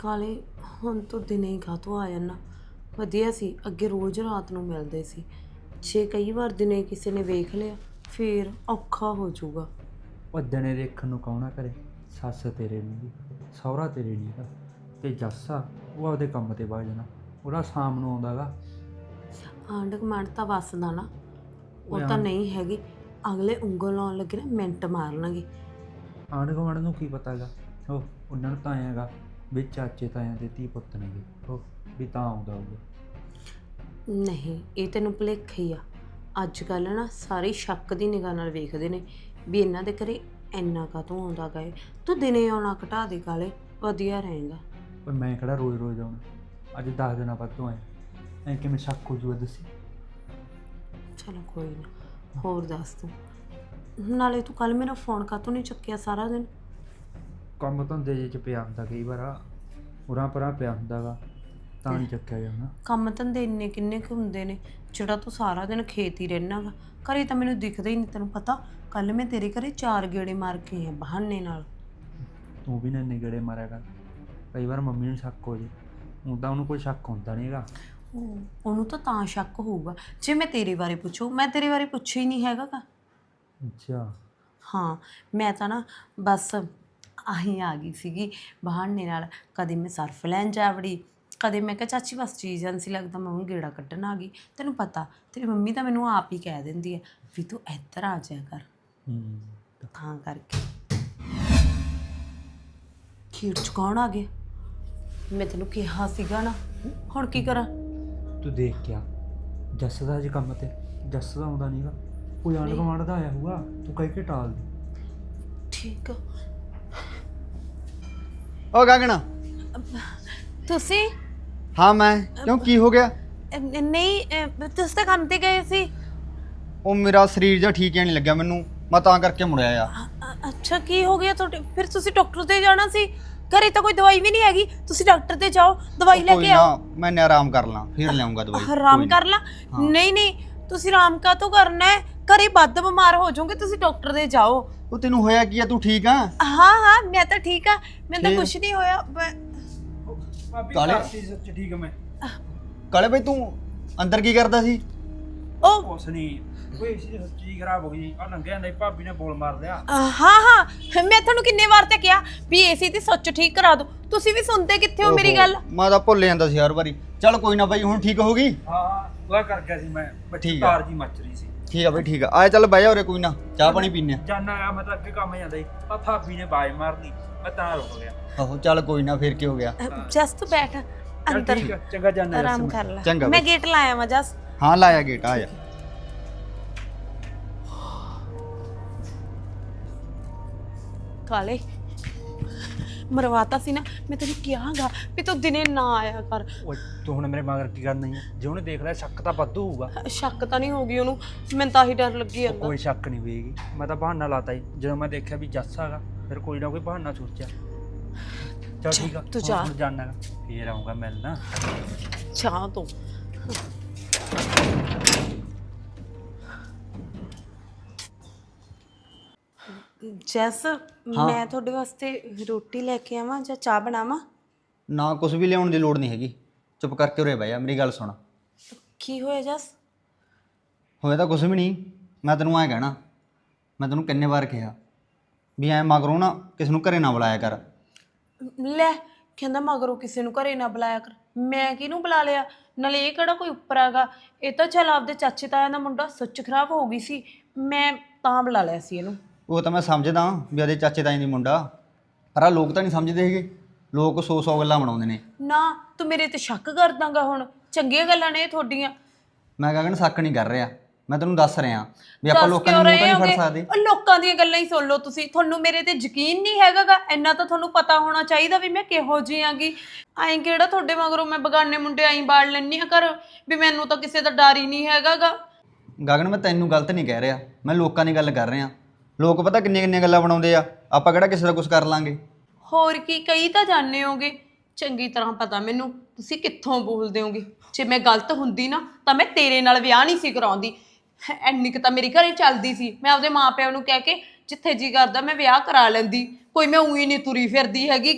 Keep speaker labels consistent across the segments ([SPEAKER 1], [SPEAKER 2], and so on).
[SPEAKER 1] ਕਾਲੇ ਹੁਣ ਤੂੰ ਦਿਨੇ ਹੀ ਕਾਹਤੋਂ ਆ ਜਾਣਾ। ਵਧੀਆ ਸੀ ਅੱਗੇ ਰੋਜ਼ ਰਾਤ ਨੂੰ ਮਿਲਦੇ ਸੀ। ਜੇ ਕਈ ਵਾਰ ਦਿਨੇ ਕਿਸੇ ਨੇ ਵੇਖ ਲਿਆ ਫੇਰ ਔਖਾ ਹੋ ਜਾਊਗਾ।
[SPEAKER 2] ਉਹ ਦਿਨੇ ਦੇਖਣ ਨੂੰ ਕੌਣਾ ਕਰੇ, ਸੱਸ ਤੇਰੇ ਨਹੀਂ ਸਹੁਰਾ ਤੇਰੇ ਨਹੀਂ ਗਾ, ਤੇ ਜੱਸ ਆ ਉਹ ਆਪਦੇ ਕੰਮ ਤੇ ਵਗ ਜਾਣਾ, ਉਹਦਾ ਸ਼ਾਮ ਨੂੰ ਆਉਂਦਾ ਗਾ।
[SPEAKER 1] ਆਂਢ ਗੁਆਂਢ ਤਾਂ ਵੱਸਦਾ ਨਾ, ਉਹ
[SPEAKER 2] ਓਏ
[SPEAKER 1] ਤਾਂ ਨਹੀਂ ਹੈਗੀ। ਅਗਲੇ ਉਂਗਲ ਲਾਉਣ ਲੱਗੇ ਨਾ ਮਿੰਟ ਮਾਰਨਗੇ।
[SPEAKER 2] ਆਂਢ ਗੁਆਂਢ ਨੂੰ ਕੀ ਪਤਾ ਗਾ, ਉਹ ਉਹਨਾਂ ਨੂੰ ਤਾਂ ਆਏਗਾ ਵੀ ਚਾਚੇ ਤਾਇਆਂ ਦੇ ਧੀ ਪੁੱਤ ਨੇਗੇ, ਉਹ ਵੀ ਤਾਂ ਆਉਂਦਾ ਹੋਊਗਾ।
[SPEAKER 1] ਨਹੀਂ, ਇਹ ਤੈਨੂੰ ਭੁਲੇਖਾ ਹੀ ਆ। ਅੱਜ ਕੱਲ੍ਹ ਨਾ ਸਾਰੇ ਸ਼ੱਕ ਦੀ ਨਿਗਾਹ ਨਾਲ ਵੇਖਦੇ ਨੇ ਵੀ ਇਹਨਾਂ ਦੇ ਘਰੇ ਇੰਨਾ ਕਾਹਤੋਂ ਆਉਂਦਾ ਗਏ। ਤੂੰ ਦਿਨੇ ਆਉਣਾ ਘਟਾ ਦੇ ਕਾਲੇ, ਵਧੀਆ ਰਹੇਗਾ।
[SPEAKER 2] ਪਰ ਮੈਂ ਕਿਹੜਾ ਰੋਜ਼ ਰੋਜ਼ ਆਉਣਾ, ਅੱਜ 10 ਦਿਨਾਂ ਬਾਅਦ ਤੋਂ ਆਇਆ, ਐਂ ਕਿਵੇਂ ਸ਼ੱਕ ਹੋ ਜੂਗਾ ਦੱਸੀ।
[SPEAKER 1] ਚਲੋ ਕੋਈ ਨਾ, ਹੋਰ ਦੱਸ ਤੂੰ। ਨਾਲੇ ਤੂੰ ਕੱਲ ਮੇਰਾ ਫੋਨ ਕਾਹਤੋਂ ਨਹੀਂ ਚੱਕਿਆ ਸਾਰਾ ਦਿਨ?
[SPEAKER 2] ਕੰਮ ਧੰਦੇ ਜਿਹੇ 'ਚ ਪਿਆ ਹੁੰਦਾ ਕਈ ਵਾਰ, ਉਰਾਂ ਪਰਾਂ ਪਿਆ ਹੁੰਦਾ ਗਾ, ਤਾਂ ਨਹੀਂ ਚੱਕਿਆ ਜਾਂਦਾ।
[SPEAKER 1] ਕੰਮ ਧੰਦੇ ਇੰਨੇ ਕਿੰਨੇ ਕੁ ਹੁੰਦੇ ਨੇ ਜਿਹੜਾ ਤੂੰ ਸਾਰਾ ਦਿਨ ਖੇਤ ਹੀ ਰਹਿਣਾ ਗਾ। ਘਰੇ ਤਾਂ ਮੈਨੂੰ ਦਿਖਦਾ ਹੀ ਨਹੀਂ। ਤੈਨੂੰ ਪਤਾ ਕੱਲ ਮੈਂ ਤੇਰੇ ਘਰੇ 4 ਗੇੜੇ ਮਾਰ ਕੇ ਆਈ ਆ ਬਹਾਨੇ ਨਾਲ।
[SPEAKER 2] ਤੂੰ ਵੀ ਨਾ ਇੰਨੇ ਗੇੜੇ ਮਾਰਿਆ ਕਰ, ਕਈ ਵਾਰ ਮੰਮੀ ਨੂੰ ਸ਼ੱਕ ਹੋ ਜੇ। ਹੁਣ ਤਾਂ ਉਹਨੂੰ ਕੋਈ ਸ਼ੱਕ ਹੁੰਦਾ ਨਹੀਂ ਹੈਗਾ।
[SPEAKER 1] ਉਹਨੂੰ ਤਾਂ ਸ਼ੱਕ ਹੋਊਗਾ ਜੇ ਮੈਂ ਤੇਰੇ ਬਾਰੇ ਪੁੱਛੂ। ਮੈਂ ਤੇਰੇ ਬਾਰੇ ਪੁੱਛਿਆ ਹੀ ਨਹੀਂ ਹੈਗਾ ਗਾ।
[SPEAKER 2] ਅੱਛਾ।
[SPEAKER 1] ਹਾਂ, ਮੈਂ ਤਾਂ ਨਾ ਬਸ ਆਹੀਂ ਆ ਗਈ ਸੀਗੀ ਬਹਾਨੇ ਨਾਲ। ਕਦੇ ਮੈਂ ਸਰਫ ਲੈਣ ਜਾ ਵੜੀ, ਕਦੇ ਮੈਂ ਕਿਹਾ ਚਾਚੀ ਬਸ ਚੀਜ਼ ਨਹੀਂ ਸੀ ਲੱਗਦਾ, ਮੈਂ ਹੁਣ ਗੇੜਾ ਕੱਢਣ ਆ ਗਈ। ਤੈਨੂੰ ਪਤਾ ਤੇਰੀ ਮੰਮੀ ਤਾਂ ਮੈਨੂੰ ਆਪ ਹੀ ਕਹਿ ਦਿੰਦੀ ਹੈ ਵੀ ਤੂੰ ਇੱਧਰ ਆ ਜਾਇਆ ਕਰ, ਤਾਂ ਕਰਕੇ। ਖੀਰ ਚ ਕੌਣ ਆ ਗਿਆ? ਮੈਂ ਤੈਨੂੰ ਕਿਹਾ ਸੀਗਾ ਨਾ, ਹੁਣ ਕੀ ਕਰਾਂ?
[SPEAKER 2] ਤੂੰ ਦੇਖ ਕੇ ਆ, ਜੱਸ ਦਾ ਅੱਜ ਕੰਮ ਤੇ, ਜੱਸ ਦਾ ਆਉਂਦਾ ਨਹੀਂਗਾ, ਕੋਈ ਆਂਢ ਗੁਆਂਢ ਦਾ ਆਇਆ ਹੋਊਗਾ, ਤੂੰ ਕਹਿ ਕੇ ਟਾਲ ਦੇ।
[SPEAKER 1] ਠੀਕ ਆ।
[SPEAKER 3] ਓ ਗਗਨ।
[SPEAKER 1] ਤੁਸੀਂ?
[SPEAKER 3] ਹਾਂ ਮੈਂ। ਕਿਉਂ, ਕੀ ਹੋ ਗਿਆ?
[SPEAKER 1] ਨਹੀਂ, ਤੁਸੀਂ ਤਾਂ ਕੰਮ ਤੇ ਗਏ ਸੀ।
[SPEAKER 3] ਉਹ ਮੇਰਾ ਸਰੀਰ ਜਿਹਾ ਠੀਕ ਨਹੀਂ ਲੱਗਿਆ ਮੈਨੂੰ, ਮੈਂ ਤਾਂ ਕਰਕੇ ਮੁੜਿਆ ਆ।
[SPEAKER 1] ਅੱਛਾ, ਕੀ ਹੋ ਗਿਆ ਤੁਹਾਡੇ? ਫਿਰ ਤੁਸੀਂ ਡਾਕਟਰ ਤੇ ਜਾਣਾ ਸੀ। ਘਰੇ ਤਾਂ ਕੋਈ ਦਵਾਈ ਵੀ ਨਹੀਂ ਹੈਗੀ, ਤੁਸੀਂ ਡਾਕਟਰ ਤੇ ਜਾਓ, ਦਵਾਈ ਲੈ ਕੇ ਆਓ।
[SPEAKER 3] ਮੈਂ ਆਰਾਮ ਕਰ ਲਾਂ ਫਿਰ ਲਿਆਉਂਗਾ ਦਵਾਈ।
[SPEAKER 1] ਆਰਾਮ ਕਰ ਲਾਂ? ਨਹੀਂ ਨਹੀਂ, ਤੁਸੀਂ ਆਰਾਮ ਕਾਹਤੋਂ ਕਰਨਾ ਹੈ? ਘਰੇ ਵੱਧ ਬਿਮਾਰ ਹੋ ਜਾਓਗੇ, ਤੁਸੀਂ ਡਾਕਟਰ ਦੇ ਜਾਓ।
[SPEAKER 3] ਉਹ ਤੈਨੂੰ ਹੋਇਆ ਕੀ ਆ, ਤੂੰ ਠੀਕ ਆ?
[SPEAKER 1] ਹਾਂ ਹਾਂ, ਮੈਂ ਤਾਂ ਠੀਕ ਆ, ਮੈਨੂੰ ਤਾਂ ਕੁਝ ਨਹੀਂ ਹੋਇਆ।
[SPEAKER 3] ਕਾਲੇ
[SPEAKER 2] ਸੱਚ ਠੀਕ ਮੈਂ।
[SPEAKER 3] ਕਾਲੇ ਬਈ ਤੂੰ ਅੰਦਰ ਕੀ ਕਰਦਾ ਸੀ?
[SPEAKER 1] ਉਹ
[SPEAKER 2] ਕੁਛ ਨਹੀਂ, ਕੋਈ ਸੀ ਸੱਚੀ ਖਰਾਬ ਹੋ ਗਈ। ਆ ਨੰਗੇ ਆਂਦੇ ਭਾਬੀ ਨੇ ਬੋਲ ਮਾਰ ਲਿਆ।
[SPEAKER 1] ਹਾਂ ਹਾਂ, ਮੈਂ ਤੁਹਾਨੂੰ ਕਿੰਨੇ ਵਾਰ ਤੇ ਕਿਹਾ ਵੀ ਏਸੀ ਦੀ ਸੁੱਚ ਠੀਕ ਕਰਾ ਦਿਓ, ਤੁਸੀਂ ਵੀ ਸੁਣਦੇ ਕਿੱਥੇ ਹੋ ਮੇਰੀ ਗੱਲ?
[SPEAKER 3] ਮੈਂ ਤਾਂ ਭੁੱਲ ਜਾਂਦਾ ਸੀ ਹਰ ਵਾਰੀ। ਚੱਲ ਕੋਈ ਨਾ ਬਾਈ, ਹੁਣ ਠੀਕ ਹੋ ਗਈ?
[SPEAKER 2] ਹਾਂ, ਉਹ ਕਰ ਗਿਆ ਸੀ ਮੈਂ,
[SPEAKER 3] ਠੀਕ ਆ।
[SPEAKER 2] ਤਾਰ ਜੀ ਮੱਚ ਰਹੀ ਸੀ।
[SPEAKER 3] ਠੀਕ ਆ ਬਈ, ਠੀਕ ਆ। ਆਏ ਚੱਲ ਬਹਿ ਜਾ ਉਰੇ, ਕੋਈ ਨਾ ਚਾਹ ਪਾਣੀ ਪੀਨੇ ਆ।
[SPEAKER 2] ਜਾਨਾ ਆ, ਮੈਂ ਤਾਂ ਅੱਗੇ ਕੰਮ ਜਾਂਦਾ ਸੀ, ਆ ਭਾਬੀ ਨੇ ਬਾਜ ਮਾਰਨੀ, ਮੈਂ ਤਾਂ ਰੁਕ ਗਿਆ।
[SPEAKER 3] ਆਹੋ ਚੱਲ ਕੋਈ ਨਾ, ਫਿਰ ਕੀ ਹੋ ਗਿਆ?
[SPEAKER 1] ਜਸਟ ਬੈਠ
[SPEAKER 2] ਚੱਲ
[SPEAKER 1] ਅੰਦਰ,
[SPEAKER 2] ਠੀਕ ਆ, ਚੰਗਾ ਜਾਨਾ
[SPEAKER 1] ਆਰਾਮ ਕਰ ਲੈ।
[SPEAKER 3] ਚੰਗਾ
[SPEAKER 1] ਮੈਂ
[SPEAKER 3] ਬਈ।
[SPEAKER 1] ਗੇਟ ਲਾਇਆ ਵਾ ਜਸ।
[SPEAKER 3] ਹਾਂ ਲਾਇਆ ਗੇਟ, ਆ ਜਾ।
[SPEAKER 1] ਕਾਲੇ ਮਰਵਾਤਾ ਸੀ ਨਾ, ਮੈਂ ਤੈਨੂੰ ਕਿਹਾਗਾ ਵੀ ਤੂੰ ਦਿਨੇ ਨਾ ਆਇਆ ਕਰ।
[SPEAKER 2] ਓਏ ਤੂੰ ਹੁਣ ਮੇਰੇ ਮਗਰ ਕੀ ਕਰਨਾ ਹੈ? ਜੇ ਉਹਨੇ ਦੇਖ ਲਿਆ ਸ਼ੱਕ ਤਾਂ ਵਾਧੂ ਹੋਊਗਾ।
[SPEAKER 1] ਸ਼ੱਕ ਤਾਂ ਨਹੀਂ ਹੋਗੀ ਉਹਨੂੰ, ਮੈਨੂੰ ਤਾਂ ਹੀ ਡਰ ਲੱਗੀ ਜਾਂਦਾ।
[SPEAKER 2] ਕੋਈ ਸ਼ੱਕ ਨਹੀਂ ਹੋਏਗੀ, ਮੈਂ ਤਾਂ ਬਹਾਨਾ ਲਾਤਾ ਸੀ। ਜਦੋਂ ਮੈਂ ਦੇਖਿਆ ਵੀ ਜੱਸ ਹੈਗਾ, ਫਿਰ ਕੋਈ ਨਾ ਕੋਈ ਬਹਾਨਾ ਸੋਚਿਆ। ਚੱਲ ਠੀਕ ਆ,
[SPEAKER 1] ਤੂੰ ਜਾ।
[SPEAKER 2] ਹੁਣ ਜਾਨਾ ਫੇਰ ਆਊਂਗਾ ਮਿਲਣਾ।
[SPEAKER 1] ਚਾਹ ਤੂੰ ਜੈਸ, ਮੈਂ ਤੁਹਾਡੇ ਵਾਸਤੇ ਰੋਟੀ ਲੈ ਕੇ ਆਵਾਂ ਜਾਂ ਚਾਹ ਬਣਾਵਾਂ?
[SPEAKER 3] ਨਾ ਕੁਝ ਵੀ ਲਿਆਉਣ ਦੀ ਲੋੜ ਨਹੀਂ ਹੈਗੀ, ਚੁੱਪ ਕਰਕੇ ਉਰੇ ਬਹਿ ਜਾ, ਮੇਰੀ ਗੱਲ ਸੁਣ।
[SPEAKER 1] ਕੀ ਹੋਇਆ ਜੈਸ?
[SPEAKER 3] ਹੋਇਆ ਤਾਂ ਕੁਝ ਵੀ ਨਹੀਂ, ਮੈਂ ਤੈਨੂੰ ਐਂ ਕਹਿਣਾ, ਮੈਂ ਤੈਨੂੰ ਕਿੰਨੇ ਵਾਰ ਕਿਹਾ ਵੀ ਐਂ ਮਗਰੋਂ ਨਾ ਕਿਸ ਨੂੰ ਘਰੇ ਨਾ ਬੁਲਾਇਆ ਕਰ।
[SPEAKER 1] ਲੈ, ਕਹਿੰਦਾ ਮਗਰੋਂ ਕਿਸੇ ਨੂੰ ਘਰੇ ਨਾ ਬੁਲਾਇਆ ਕਰ। ਮੈਂ ਕਿਹਨੂੰ ਬੁਲਾ ਲਿਆ? ਨਾਲੇ ਇਹ ਕਿਹੜਾ ਕੋਈ ਉੱਪਰ ਹੈਗਾ, ਇਹ ਤਾਂ ਚੱਲ ਆਪਦੇ ਚਾਚੇ ਤਾਇਆਂ ਦਾ ਮੁੰਡਾ, ਸੁੱਚ ਖਰਾਬ ਹੋ ਗਈ ਸੀ, ਮੈਂ ਤਾਂ ਬੁਲਾ ਲਿਆ ਸੀ ਇਹਨੂੰ।
[SPEAKER 3] ਉਹ ਤਾਂ ਮੈਂ ਸਮਝਦਾ ਵੀ ਉਹਦੇ ਚਾਚੇ ਤਾਏ ਦੀ ਮੁੰਡਾ, ਪਰ ਆਹ ਲੋਕ ਤਾਂ ਨਹੀਂ ਸਮਝਦੇ ਹੈਗੇ। ਲੋਕ 100 ਗੱਲਾਂ ਬਣਾਉਂਦੇ ਨੇ।
[SPEAKER 1] ਨਾ ਤੂੰ ਮੇਰੇ ਤੇ ਸ਼ੱਕ ਕਰਦਾਂਗਾ ਹੁਣ? ਚੰਗੀਆਂ ਗੱਲਾਂ ਨੇ ਇਹ ਤੁਹਾਡੀਆਂ।
[SPEAKER 3] ਮੈਂ ਕਹਿੰਦਾ ਸ਼ੱਕ ਨਹੀਂ ਕਰ ਰਿਹਾ, ਮੈਂ ਤੈਨੂੰ ਦੱਸ ਰਿਹਾ ਵੀ ਆਪਾਂ ਲੋਕਾਂ ਨੂੰ ਮੂੰਹ ਤਾਂ ਨਹੀਂ ਫੜ ਸਕਦੇ।
[SPEAKER 1] ਉਹ ਲੋਕਾਂ ਦੀਆਂ ਗੱਲਾਂ ਹੀ ਸੁਣ ਲਓ ਤੁਸੀਂ, ਤੁਹਾਨੂੰ ਮੇਰੇ ਤੇ ਯਕੀਨ ਨਹੀਂ ਹੈਗਾਗਾ। ਇੰਨਾ ਤਾਂ ਤੁਹਾਨੂੰ ਪਤਾ ਹੋਣਾ ਚਾਹੀਦਾ ਵੀ ਮੈਂ ਕਿਹੋ ਜਿਹੀ ਆਂਗੀ। ਐਂ ਕਿਹੜਾ ਤੁਹਾਡੇ ਮਗਰੋਂ ਮੈਂ ਬਗਾਨੇ ਮੁੰਡੇ ਆਈ ਬਾੜ ਲੈਣੀ ਆ ਘਰ, ਵੀ ਮੈਨੂੰ ਤਾਂ ਕਿਸੇ ਦਾ ਡਰ ਹੀ ਨਹੀਂ ਹੈਗਾਗਾ।
[SPEAKER 3] ਗਗਨ ਮੈਂ ਤੈਨੂੰ ਗਲਤ ਨਹੀਂ ਕਹਿ ਰਿਹਾ, ਮੈਂ ਲੋਕਾਂ ਦੀ ਗੱਲ ਕਰ ਰਿਹਾ। ਲੋਕ ਪਤਾ ਕਿੰਨੀਆਂ ਗੱਲਾਂ ਬਣਾਉਂਦੇ ਆ, ਆਪਾਂ ਕਿਹੜਾ ਕਿਸੇ ਦਾ ਕੁਝ ਕਰ ਲਾਂਗੇ। ਹੋਰ
[SPEAKER 1] ਕੀ, ਕਈ ਤਾਂ ਜਾਣੇ ਹੋਗੇ, ਚੰਗੀ ਤਰ੍ਹਾਂ ਪਤਾ ਮੈਨੂੰ ਤੁਸੀਂ ਕਿੱਥੋਂ ਬੋਲਦੇ ਹੋਗੇ। ਜੇ ਮੈਂ ਗਲਤ ਹੁੰਦੀ ਨਾ ਤਾਂ ਮੈਂ ਤੇਰੇ ਨਾਲ ਵਿਆਹ ਨਹੀਂ ਸੀ ਕਰਾਉਂਦੀ। ਐਨੀ ਕੁ ਤਾਂ ਮੇਰੀ ਘਰੇ ਚੱਲਦੀ ਸੀ, ਮੈਂ ਆਪਦੇ ਮਾਪਿਆਂ ਨੂੰ ਕਹਿ ਕੇ ਜਿੱਥੇ ਜੀ ਕਰਦਾ ਮੈਂ ਵਿਆਹ ਕਰਾ ਲੈਂਦੀ। ਕੋਈ ਮੈਂ ਉਹੀ ਨਹੀਂ ਤੁਰੀ ਫਿਰਦੀ ਹੈਗੀ ਕਿ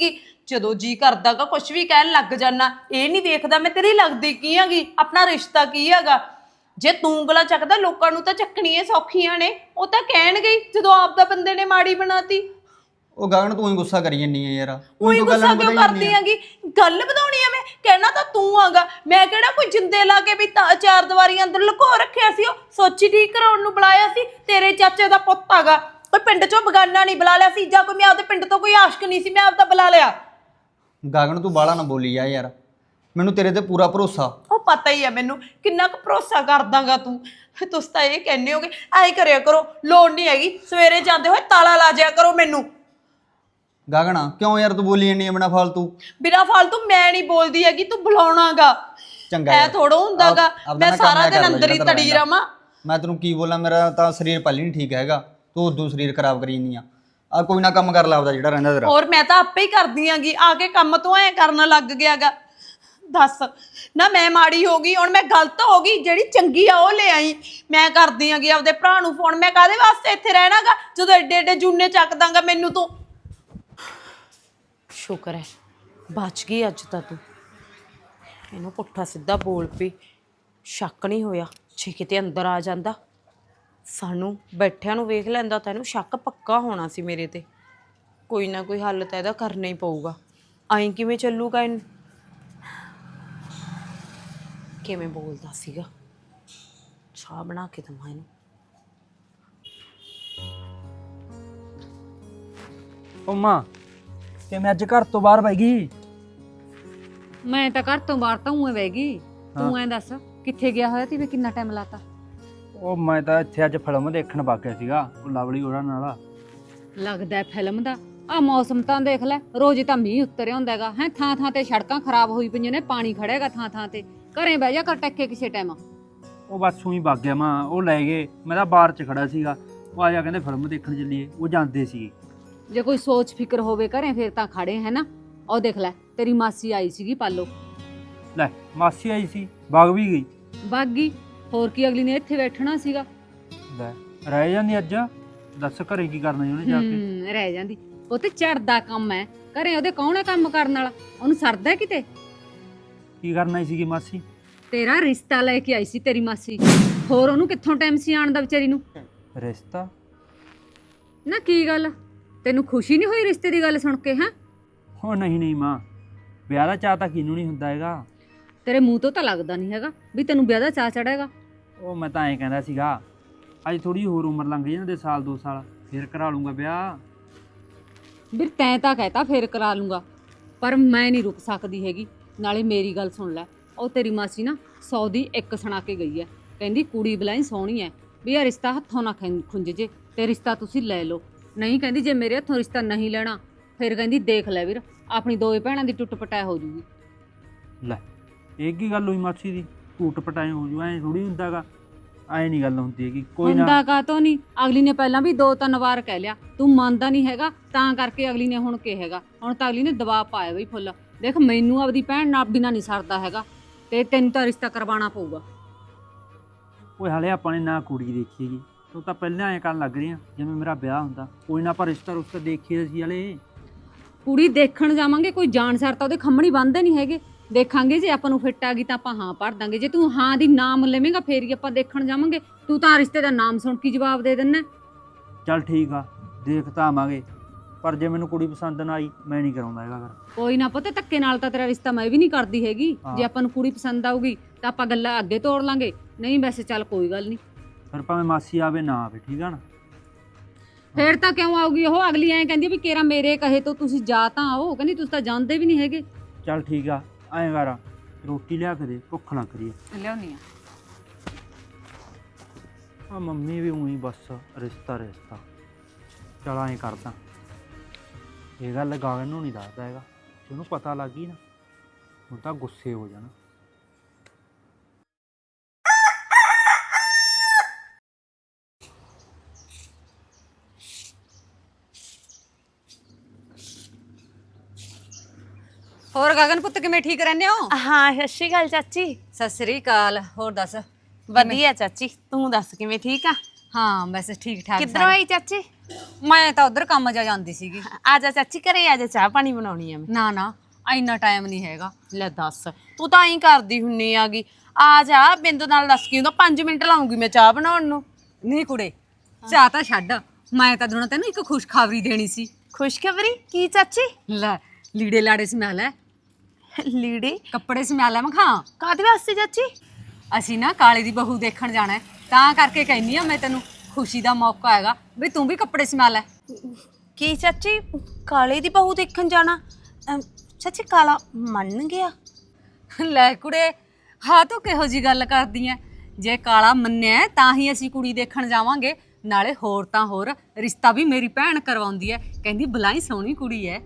[SPEAKER 1] ਜਦੋਂ ਜੀ ਕਰਦਾਗਾ ਕੁਝ ਵੀ ਕਹਿਣ ਲੱਗ ਜਾਣਾ। ਇਹ ਨਹੀਂ ਵੇਖਦਾ ਮੈਂ ਤੇਰੀ ਲੱਗਦੀ ਕੀ ਹੈਗੀ, ਆਪਣਾ ਰਿਸ਼ਤਾ ਕੀ ਹੈਗਾ। ਜੇ ਤੂੰ ਉਂਗਲਾਂ ਚੱਕਦਾ ਲੋਕਾਂ ਨੂੰ ਤਾਂ ਚੱਕਣੀਆਂ ਸੌਖੀਆਂ ਨੇ, ਉਹ ਤਾਂ ਕਹਿਣਗੇ ਹੀ ਜਦੋਂ ਆਪਦਾ ਬੰਦੇ ਨੇ ਮਾੜੀ ਬਣਾਤੀ।
[SPEAKER 3] ਉਹ ਗਗਨ ਤੂੰ ਹੀ ਗੁੱਸਾ ਕਰੀ ਜੰਨੀ ਆ ਯਾਰ,
[SPEAKER 1] ਉਹੀ ਗੁੱਸਾ ਕਿਉਂ ਕਰਦੀ ਹੈਗੀ? ਗੱਲ ਵਧਾਉਣੀ ਆ? ਮੈਂ ਕਹਿਣਾ ਤਾਂ ਤੂੰ ਆਗਾ, ਮੈਂ ਕਿਹੜਾ ਕੋਈ ਜਿੰਦੇ ਲਾ ਕੇ ਵੀ ਚਾਰ ਦੀਵਾਰੀ ਅੰਦਰ ਲੁਕੋ ਰੱਖਿਆ ਸੀ। ਉਹ ਸੋਚੀ ਠੀਕ ਕਰਾਉਣ ਨੂੰ ਬੁਲਾਇਆ ਸੀ। ਤੇਰੇ ਚਾਚੇ ਦਾ ਪੁੱਤ ਹੈਗਾ, ਕੋਈ ਪਿੰਡ ਚੋਂ ਬਗਾਨਾ ਨਹੀਂ ਬੁਲਾ ਲਿਆ ਸੀ, ਜਾਂ ਕੋਈ ਮੈਂ ਆਪਦੇ ਪਿੰਡ ਤੋਂ ਕੋਈ ਆਸ਼ਕ ਨਹੀਂ ਸੀ ਮੈਂ ਆਪਦਾ ਬੁਲਾ ਲਿਆ।
[SPEAKER 3] ਗਗਨ ਤੂੰ ਬਾਲਾ ਨਾ ਬੋਲੀ ਜਾ ਯਾਰ, ਮੈਨੂੰ ਤੇਰੇ ਤੇ ਪੂਰਾ ਭਰੋਸਾ।
[SPEAKER 1] ਉਹ ਪਤਾ ਹੀ ਆ ਮੈਨੂੰ ਕਿੰਨਾ ਕੁ ਭਰੋਸਾ ਕਰਦਾਗਾ ਤੂੰ। ਤੁਸੀਂ ਤਾਂ ਇਹ ਕਹਿੰਦੇ ਹੋਗੇ ਐਂ ਕਰਿਆ ਕਰੋ, ਲੋੜ ਨਹੀਂ ਹੈਗੀ, ਸਵੇਰੇ ਜਾਂਦੇ ਹੋਏ ਤਾਲਾ ਲਾ ਜਿਆ ਕਰੋ ਮੈਨੂੰ।
[SPEAKER 3] ਗਗਨ ਕਿਉਂ ਯਾਰ ਤੂੰ ਬੋਲੀ ਜੰਨੀ ਆ ਬਿਨਾ ਫਾਲਤੂ?
[SPEAKER 1] ਬਿਨਾਂ ਫਾਲਤੂ ਮੈਂ ਨਹੀਂ ਬੋਲਦੀ ਹੈਗੀ, ਤੂੰ ਬੁਲਾਉਣਾਗਾ।
[SPEAKER 3] ਚੰਗਾ
[SPEAKER 1] ਐ
[SPEAKER 3] ਯਾਰ,
[SPEAKER 1] ਥੋੜਾ ਹੁੰਦਾਗਾ
[SPEAKER 3] ਆਪਦਾ
[SPEAKER 1] ਮੈਂ
[SPEAKER 3] ਨਾ ਕੰਮ
[SPEAKER 1] ਸਾਰਾ
[SPEAKER 3] ਐ
[SPEAKER 1] ਦਿਨ
[SPEAKER 3] ਕਰ ਲੈ
[SPEAKER 1] ਅੰਦਰ ਹੀ
[SPEAKER 3] ਜਿਹੜਾ
[SPEAKER 1] ਤੜੀ
[SPEAKER 3] ਤੇਰਾ
[SPEAKER 1] ਰਵਾਂ।
[SPEAKER 3] ਮੈਂ ਤੈਨੂੰ ਕੀ ਬੋਲਾਂ, ਮੇਰਾ ਤਾਂ ਸਰੀਰ ਪਹਿਲੇ ਨਹੀਂ ਠੀਕ ਹੈਗਾ, ਤੂੰ ਉਦੋਂ ਸਰੀਰ ਖਰਾਬ ਕਰੀ ਜੰਨੀ ਆ। ਕੋਈ ਨਾ ਕੰਮ ਕਰ ਲਾ ਆਪਦਾ ਜਿਹੜਾ ਰਹਿੰਦਾ ਤੇਰਾ।
[SPEAKER 1] ਹੋਰ ਮੈਂ ਤਾਂ ਆਪੇ ਹੀ ਕਰਦੀ ਆਂਗੀ, ਆ ਕੇ ਕੰਮ ਤੋਂ ਐ ਕਰਨ ਲੱਗ ਗਿਆਗਾ। ਦੱਸ ਨਾ ਮੈਂ ਮਾੜੀ ਹੋ ਗਈ, ਹੁਣ ਮੈਂ ਗਲਤ ਹੋ ਗਈ, ਜਿਹੜੀ ਚੰਗੀ ਆ ਉਹ ਲੈ ਆਈ। ਮੈਂ ਕਰਦੀ ਆਂਗੀ ਆਪਦੇ ਭਰਾ ਨੂੰ ਫੋਨ, ਮੈਂ ਕਾਹਦੇ ਵਾਸਤੇ ਇੱਥੇ ਰਹਿਣਾਗਾ ਜਦੋਂ ਐਡੇ ਐਡੇ ਜੂਨੇ ਚੱਕ ਦਾਂਗਾ ਮੈਨੂੰ ਤੂੰ। ਸ਼ੁਕਰ ਹੈ ਬਚ ਗਈ ਅੱਜ ਤਾਂ ਤੂੰ। ਇਹਨੂੰ ਪੁੱਠਾ ਸਿੱਧਾ ਬੋਲ ਪਈ, ਸ਼ੱਕ ਨਹੀਂ ਹੋਇਆ। ਜੇ ਕਿਤੇ ਅੰਦਰ ਆ ਜਾਂਦਾ, ਸਾਨੂੰ ਬੈਠਿਆਂ ਨੂੰ ਵੇਖ ਲੈਂਦਾ ਤਾਂ ਇਹਨੂੰ ਸ਼ੱਕ ਪੱਕਾ ਹੋਣਾ ਸੀ ਮੇਰੇ ਤੇ। ਕੋਈ ਨਾ ਕੋਈ ਹੱਲ ਤਾਂ ਇਹਦਾ ਕਰਨਾ ਹੀ ਪਊਗਾ। ਐਂ ਕਿਵੇਂ ਚੱਲੂਗਾ? ਇਹਨੂੰ ਕਿਵੇਂ ਬੋਲਦਾ ਸੀਗਾ? ਚਾਹ ਬਣਾ ਕੇ ਦਵਾਂ ਇਹਨੂੰ।
[SPEAKER 2] ਉਹ ਮਾਂ ਕਿਵੇਂ ਅੱਜ ਘਰ ਤੋਂ ਬਾਹਰ ਬੈ ਗਈ?
[SPEAKER 4] ਮੈਂ ਤਾਂ ਘਰ ਤੋਂ ਬਾਹਰ ਤਾਂ ਉਵੇਂ ਬਹਿ ਗਈ। ਤੂੰ ਐਂ ਦੱਸ ਕਿੱਥੇ ਗਿਆ ਹੋਇਆ ਤੀ? ਵੇ ਕਿੰਨਾ ਟਾਈਮ ਲਾਤਾ?
[SPEAKER 2] ਉਹ ਮੈਂ ਤਾਂ ਇੱਥੇ ਅੱਜ ਫਿਲਮ ਦੇਖਣ ਵਗ ਗਿਆ ਸੀਗਾ, ਉਹ ਲਵਲੀ ਉਹਨਾਂ ਨਾਲ।
[SPEAKER 4] ਲੱਗਦਾ ਫਿਲਮ ਦਾ ਆ ਮੌਸਮ ਤਾਂ ਦੇਖ ਲੈ, ਰੋਜ਼ ਤਾਂ ਮੀਂਹ ਉੱਤਰਿਆ ਹੁੰਦਾ ਹੈਗਾ ਹੈ। ਥਾਂ ਥਾਂ ਤੇ ਸੜਕਾਂ ਖਰਾਬ ਹੋਈ ਪਈਆਂ ਨੇ, ਪਾਣੀ ਖੜੇਗਾ ਥਾਂ ਥਾਂ ਤੇ। ਘਰੇ ਬਹਿ ਜਾ ਕਰ ਟੱਕੇ ਕਿਸੇ ਟਾਈਮ।
[SPEAKER 2] ਉਹ ਬਸ ਉਹੀ ਵਗ ਗਿਆ ਮਾਂ, ਉਹ ਲੈ ਗਏ। ਮੈਂ ਤਾਂ ਬਾਹਰ 'ਚ ਖੜਾ ਸੀਗਾ, ਉਹ ਆ ਜਾ ਕਹਿੰਦੇ ਫਿਲਮ ਦੇਖਣ ਚੱਲੀਏ। ਉਹ ਜਾਂਦੇ ਸੀਗੇ।
[SPEAKER 4] ਜੇ ਕੋਈ ਸੋਚ ਫਿਕਰ ਹੋਵੇ ਘਰੇ ਫੇਰ ਤਾਂ ਖੜੇ ਹੈ ਨਾ। ਉਹ ਦੇਖ ਲੈ ਤੇਰੀ ਮਾਸੀ ਆਈ ਸੀਗੀ ਪਾਲੋ।
[SPEAKER 2] ਲੈ ਮਾਸੀ ਆਈ ਸੀ, ਵਗ ਵੀ ਗਈ।
[SPEAKER 4] ਵਗ ਗਈ, ਹੋਰ ਕੀ ਅਗਲੀ ਨੇ ਇੱਥੇ ਬੈਠਣਾ ਸੀਗਾ?
[SPEAKER 2] ਲੈ ਰਹਿ ਜਾਂਦੀ ਅੱਜ, ਦੱਸ ਘਰੇ ਕੀ ਕਰਨਾ ਉਹਨੇ ਜਾ ਕੇ?
[SPEAKER 4] ਰਹਿ ਜਾਂਦੀ। ਉਹ ਤੇ ਝੜਦਾ ਕੰਮ ਹੈ ਘਰੇ, ਉਹਦੇ ਕੌਣ ਹੈ ਕੰਮ ਕਰਨ ਵਾਲਾ? ਉਹਨੂੰ ਸਰਦਾ ਕਿਤੇ?
[SPEAKER 2] ਕੀ ਕਰਨਾ ਸੀਗੀ ਮਾਸੀ?
[SPEAKER 4] ਤੇਰਾ ਰਿਸ਼ਤਾ ਲੈ ਕੇ ਆਈ ਸੀ ਤੇਰੀ ਮਾਸੀ, ਹੋਰ ਉਹਨੂੰ ਕਿੱਥੋਂ ਟਾਈਮ ਸੀ ਆਉਣ ਦਾ ਵਿਚਾਰੀ ਨੂੰ?
[SPEAKER 2] ਰਿਸ਼ਤਾ?
[SPEAKER 4] ਨਾ ਕੀ ਗੱਲ, ਤੈਨੂੰ ਖੁਸ਼ੀ ਨਹੀਂ ਹੋਈ ਰਿਸ਼ਤੇ ਦੀ ਗੱਲ ਸੁਣ ਕੇ? ਹੈ
[SPEAKER 2] ਉਹ ਨਹੀਂ ਨਹੀਂ ਮਾਂ, ਵਿਆਹ ਦਾ ਚਾਅ ਤਾਂ ਕਿਹਨੂੰ ਨਹੀਂ ਹੁੰਦਾ ਹੈਗਾ।
[SPEAKER 4] ਤੇਰੇ ਮੂੰਹ ਤੋਂ ਤਾਂ ਲੱਗਦਾ ਨਹੀਂ ਹੈਗਾ ਵੀ ਤੈਨੂੰ ਵਿਆਹ ਦਾ ਚਾਅ ਚੜੇਗਾ।
[SPEAKER 2] ਉਹ ਮੈਂ ਤਾਂ ਐਂ ਕਹਿੰਦਾ ਸੀਗਾ ਅੱਜ ਥੋੜੀ ਹੋਰ ਉਮਰ ਲੰਘ ਜਾਂਦੇ, ਸਾਲ 2 ਸਾਲ, ਫਿਰ ਕਰਾ ਲੂੰਗਾ ਵਿਆਹ।
[SPEAKER 4] ਵੀਰ ਤੈਂ ਤਾਂ ਕਹਿਤਾ ਫੇਰ ਕਰਾ ਲੂੰਗਾ, ਪਰ ਮੈਂ ਨਹੀਂ ਰੁਕ ਸਕਦੀ ਹੈਗੀ। ਨਾਲੇ ਮੇਰੀ ਗੱਲ ਸੁਣ ਲੈ, ਉਹ ਤੇਰੀ ਮਾਸੀ ਨਾ 100 ਦੀ ਇੱਕ ਸੁਣਾ ਕੇ ਗਈ ਹੈ। ਕਹਿੰਦੀ ਕੁੜੀ ਬਲਾਈ ਸੋਹਣੀ ਹੈ, ਵੀ ਇਹ ਰਿਸ਼ਤਾ ਹੱਥੋਂ ਨਾ ਖੁੰਝ ਜੇ, ਤੇ ਰਿਸ਼ਤਾ ਤੁਸੀਂ ਲੈ ਲਓ। ਨਹੀਂ ਕਹਿੰਦੀ ਜੇ ਮੇਰੇ ਹੱਥੋਂ ਰਿਸ਼ਤਾ ਨਹੀਂ ਲੈਣਾ, ਫਿਰ ਕਹਿੰਦੀ ਦੇਖ ਲੈ ਵੀਰ ਆਪਣੀ ਦੋਵੇਂ ਭੈਣਾਂ ਦੀ ਟੁੱਟ ਪਟਾਇ ਹੋ ਜੂਗੀ।
[SPEAKER 2] ਲੈ ਇਹ ਕੀ ਗੱਲ ਹੋਈ ਮਾਸੀ ਦੀ? ਟੂਟ ਪਟਾਏ ਹੋ ਜੂ? ਐਂ ਥੋੜੀ ਹੁੰਦਾਗਾ, ਐਂ ਨਹੀਂ ਗੱਲ ਹੁੰਦੀ ਹੈਗੀ। ਕੋਈ ਨਾ
[SPEAKER 4] ਹੁੰਦਾ ਕਾਤੋਂ ਨਹੀਂ, ਅਗਲੀ ਨੇ ਪਹਿਲਾਂ ਵੀ 2-3 ਵਾਰ ਕਹਿ ਲਿਆ, ਤੂੰ ਮੰਨਦਾ ਨਹੀਂ ਹੈਗਾ, ਤਾਂ ਕਰਕੇ ਅਗਲੀ ਨੇ ਹੁਣ ਕਿਹੇਗਾ। ਹੁਣ ਤਾਂ ਅਗਲੀ ਨੇ ਦਬਾਅ ਪਾਇਆ ਬਈ ਫੁੱਲ। ਦੇਖ ਮੈਨੂੰ ਆਪਦੀ ਭੈਣ ਨਾਲ ਬਿਨਾਂ ਨਹੀਂ ਸਰਦਾ ਹੈਗਾ, ਤੇ ਤੈਨੂੰ ਤਾਂ ਰਿਸ਼ਤਾ ਕਰਵਾਉਣਾ ਪਊਗਾ।
[SPEAKER 2] ਉਹ ਹਾਲੇ ਆਪਾਂ ਨੇ ਨਾ ਕੁੜੀ ਦੇਖੀ ਹੈਗੀ, ਤੂੰ ਤਾਂ ਪਹਿਲਾਂ ਐਂ ਕਰਨ ਲੱਗ ਰਹੀ ਆ ਜਿਵੇਂ ਮੇਰਾ ਵਿਆਹ ਹੁੰਦਾ। ਕੋਈ ਨਾ ਆਪਾਂ ਰਿਸ਼ਤਾ ਰੁਸ਼ਤਾ ਦੇਖੀਏ ਸੀ ਹਲੇ।
[SPEAKER 4] ਕੁੜੀ ਦੇਖਣ ਜਾਵਾਂਗੇ, ਕੋਈ ਜਾਣਸਾਰ ਤਾਂ ਉਹਦੇ ਖੰਮਣੀ ਬੰਨ੍ਹਦੇ ਨਹੀਂ ਹੈਗੇ। ਦੇਖਾਂਗੇ ਜੇ ਆਪਾਂ ਨੂੰ ਫਿੱਟ ਆ ਗਈ ਤਾਂ ਆਪਾਂ ਹਾਂ ਭਰ ਦਾਂਗੇ, ਜੇ ਤੂੰ ਹਾਂ ਦੀ ਨਾਮ ਲਵੇਂਗਾ ਫੇਰ ਹੀ ਆਪਾਂ ਦੇਖਣ ਜਾਵਾਂਗੇ। ਤੂੰ ਤਾਂ ਰਿਸ਼ਤੇ ਦਾ ਨਾਮ ਸੁਣ ਕੇ ਜਵਾਬ ਦੇ ਦਿੰਦਾ।
[SPEAKER 2] ਚੱਲ ਠੀਕ ਆ, ਦੇਖ ਤਾਂ ਆਵਾਂਗੇ, ਪਰ ਜੇ ਮੈਨੂੰ ਕੁੜੀ ਪਸੰਦ ਨਾ ਆਈ ਮੈਂ ਨਹੀਂ ਕਰਾਉਂਦਾ ਹੈਗਾ ਫਿਰ।
[SPEAKER 4] ਕੋਈ ਨਾ ਪੁੱਤ, ਧੱਕੇ ਨਾਲ ਤਾਂ ਤੇਰਾ ਰਿਸ਼ਤਾ ਮੈਂ ਵੀ ਨਹੀਂ ਕਰਦੀ ਹੈਗੀ।
[SPEAKER 2] ਹਾਂ।
[SPEAKER 4] ਜੇ ਆਪਾਂ ਨੂੰ ਕੁੜੀ ਪਸੰਦ ਆਊਗੀ ਤਾਂ ਆਪਾਂ ਗੱਲਾਂ ਅੱਗੇ ਤੋੜ ਲਾਂਗੇ, ਨਹੀਂ ਵੈਸੇ ਚੱਲ ਕੋਈ ਗੱਲ ਨਹੀਂ।
[SPEAKER 2] ਫਿਰ ਭਾਵੇਂ ਮਾਸੀ ਆਵੇ ਨਾ ਆਵੇ, ਠੀਕ ਆ ਨਾ?
[SPEAKER 4] ਫੇਰ ਤਾਂ ਕਿਉਂ ਆਊਗੀ ਉਹ? ਅਗਲੀ ਐਂ ਕਹਿੰਦੀ ਵੀ ਕੇਰਾ ਮੇਰੇ ਕਹੇ ਤੋਂ ਤੁਸੀਂ ਜਾ ਤਾਂ ਆਓ, ਕਹਿੰਦੀ ਤੁਸੀਂ ਤਾਂ ਜਾਂਦੇ ਵੀ ਨਹੀਂ ਹੈਗੇ।
[SPEAKER 2] ਚੱਲ ਠੀਕ ਆ, ਐਂ ਕਰ ਰੋਟੀ ਲਿਆ ਕੇ ਦੇ, ਭੁੱਖ ਲੱਗ ਰਹੀ ਆ।
[SPEAKER 4] ਲਿਆਉਣੀ ਆ।
[SPEAKER 2] ਮੰਮੀ ਵੀ ਉਹੀ ਬਸ ਰਿਸ਼ਤਾ ਰਿਸ਼ਤਾ। ਚਲ ਐਂ ਕਰਦਾ, ਇਹ ਗੱਲ ਗਗਨ ਨੂੰ ਨਹੀਂ ਦੱਸਦਾ ਹੈਗਾ, ਜੇ ਉਹਨੂੰ ਪਤਾ ਲੱਗ ਗਈ ਨਾ ਹੁਣ ਤਾਂ ਗੁੱਸੇ ਹੋ ਜਾਣਾ।
[SPEAKER 4] ਹੋਰ ਗਗਨ ਪੁੱਤ ਕਿਵੇਂ ਠੀਕ ਰਹਿੰਦੇ ਹੋ?
[SPEAKER 1] ਹਾਂ ਸਤਿ ਸ਼੍ਰੀ ਅਕਾਲ ਚਾਚੀ।
[SPEAKER 4] ਸਤਿ ਸ੍ਰੀ ਅਕਾਲ। ਹੋਰ ਦੱਸ?
[SPEAKER 1] ਵਧੀਆ ਚਾਚੀ, ਤੂੰ ਦੱਸ ਕਿਵੇਂ? ਠੀਕ ਆ?
[SPEAKER 4] ਹਾਂ ਬਸ ਠੀਕ ਠਾਕ।
[SPEAKER 1] ਕਿੱਧਰੋਂ ਆਈ ਚਾਚੀ?
[SPEAKER 4] ਮੈਂ ਤਾਂ ਉਧਰ ਕੰਮ ਜਾ ਜਾਂਦੀ ਸੀਗੀ।
[SPEAKER 1] ਆ ਜਾ ਚਾਚੀ ਘਰੇ ਆ ਜਾ, ਚਾਹ ਪਾਣੀ ਬਣਾਉਣੀ ਆ ਮੈਂ।
[SPEAKER 4] ਨਾ ਨਾ, ਇੰਨਾ ਟਾਈਮ ਨਹੀਂ ਹੈਗਾ।
[SPEAKER 1] ਲੈ ਦੱਸ, ਤੂੰ ਤਾਂ ਐਂ ਕਰਦੀ ਹੁੰਨੀ ਆਗੀ। ਆ ਜਾ, ਬਿੰਦ ਨਾਲ ਦੱਸ ਕੀ ਹੁੰਦਾ, 5 ਮਿੰਟ ਲਾਉਂਗੀ ਮੈਂ ਚਾਹ ਬਣਾਉਣ ਨੂੰ।
[SPEAKER 4] ਨਹੀਂ ਕੁੜੇ, ਚਾਹ ਤਾਂ ਛੱਡ, ਮੈਂ ਤਾਂ ਦੁਣਾ ਤੈਨੂੰ ਇੱਕ ਖੁਸ਼ਖਬਰੀ ਦੇਣੀ ਸੀ।
[SPEAKER 1] ਖੁਸ਼ਖਬਰੀ ਕੀ ਚਾਚੀ?
[SPEAKER 4] ਲੈ ਲੀੜੇ ਲਾੜੇ ਸਮਿਆ ਲੈ,
[SPEAKER 1] ਲੀੜੇ
[SPEAKER 4] ਕੱਪੜੇ ਸਮਿਆ ਲੈ। ਮੈਂ ਖਾਂ
[SPEAKER 1] ਕਾਹਦੇ ਵਾਸਤੇ ਚਾਚੀ?
[SPEAKER 4] ਅਸੀਂ ਨਾ ਕਾਲੇ ਦੀ ਬਹੂ ਦੇਖਣ ਜਾਣਾ ਹੈ, ਤਾਂ ਕਰਕੇ ਕਹਿੰਨੀ ਆ ਮੈਂ ਤੈਨੂੰ, ਖੁਸ਼ੀ ਦਾ ਮੌਕਾ ਹੈਗਾ ਵੀ ਤੂੰ ਵੀ ਕੱਪੜੇ ਸਮਿਆ ਲੈ।
[SPEAKER 1] ਕੀ ਚਾਚੀ, ਕਾਲੇ ਦੀ ਬਹੂ ਦੇਖਣ ਜਾਣਾ? ਚਾਚੀ ਕਾਲਾ ਮੰਨ ਗਿਆ?
[SPEAKER 4] ਲੈ ਕੁੜੇ, ਹਾਂ ਤੂੰ ਕਿਹੋ ਜੀ ਗੱਲ ਕਰਦੀ ਐ? ਜੇ ਕਾਲਾ ਮੰਨਿਆ ਹੈ, ਤਾਂ ਹੀ ਅਸੀਂ ਕੁੜੀ ਦੇਖਣ ਜਾਵਾਂਗੇ। ਨਾਲੇ ਹੋਰ ਤਾਂ ਹੋਰ, ਰਿਸ਼ਤਾ ਵੀ ਮੇਰੀ ਭੈਣ ਕਰਵਾਉਂਦੀ ਐ, ਕਹਿੰਦੀ ਬਲਾਈ ਸੋਹਣੀ ਕੁੜੀ ਐ।